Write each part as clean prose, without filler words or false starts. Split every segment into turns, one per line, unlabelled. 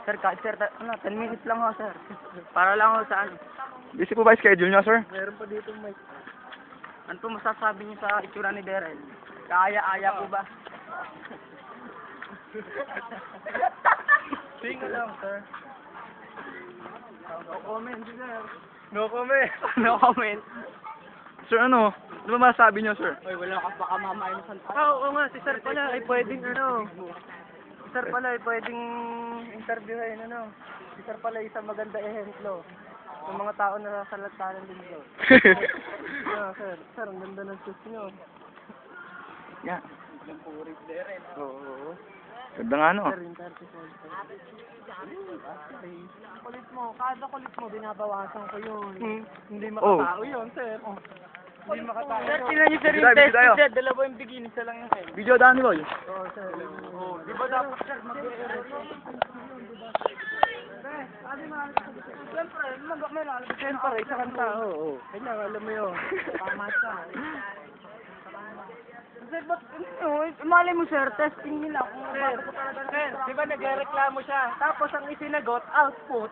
Sir, kahit sir, 10 minutes lang ho, sir. Para lang ho sa ano.
Busy po ba yung schedule niyo, sir?
Meron pa dito mic. Ano po masasabi niyo sa itsura ni Daryl? Kaya-aya po ba? Single lang, sir. No comment, sir. No comment. No comment.
Sir, ano? Ano ba masasabi niyo, sir?
Oy, wala ka baka mamain sa oo nga, si sir pala ay pwedeng ano. Si sir pala ay pwedeng interviewin ano. Si sir pala isang maganda ehemplo ng mga tao na sasalatanan din dito. Sir, sir, ang ganda ng shoes niyo.
Yeah.
Ang purik din. Oo.
Ganda nga, no?
Sir, yung 35. Kulit mo, kada kulit mo, binabawasan ko yun. Hindi makatao yun, sir. Hindi makatao. Sir, tingnan niyo sir yung test
tayo.
sir. Dalawa yung bikini, isa lang yung head.
Video daan ni Boy.
Oo, sir. Oo. Di ba dapat, sir, siyempre, may lalabas. Siyempre, isa kang tao. Oo. Kanya, alam mo yun. Tama siya. Sir, ba't, malay mo sir, testing nila kung sir, di ba nagreklamo siya? Tapos ang isinagot, output.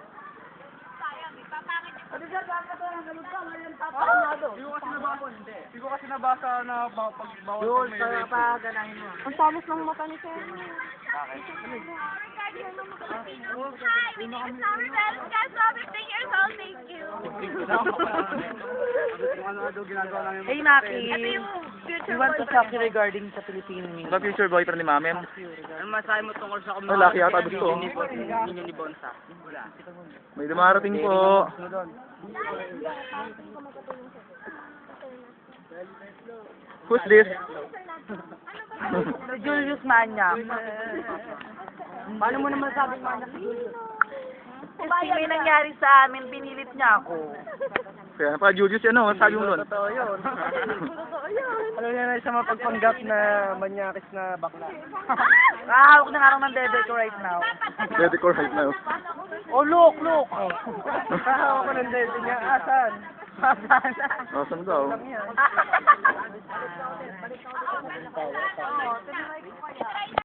Ano sir, bakit ito ang ganun ka? Ngayon papalamado. Hindi ko kasi nabasa na pagbawal
Yun, kaya pa ganahin mo. Ang talas ng mata ni Sir.
Hi, it's Summer Bell. Guys, 15 years old. Thank you.
Hey, Maki.
Ito yung future
We want to
boyfriend
talk
mo.
regarding sa Philippine
Ano ba future boyfriend ni Mami?
Ano masahe mo tungkol sa
Oh, laki yata gusto.
ninyo ni Bonsa?
May dumarating po. Who's this?
Si Julius Manyak. Paano mo naman sabing Manyak si Julius? Kasi may nangyari sa amin, pinilit niya ako.
Kaya pa, Julius, ano? Sabi mo nun?
Totoo yun. Alam niya na isang mapagpanggap na manyakis na bakla.
Hahawak na nga ako ng bebe ko right now.
Ready ko right now.
Oh, look, look.
Kahawa ko ng dede niya. Asan? Asan?
Asan daw?
Lang yan.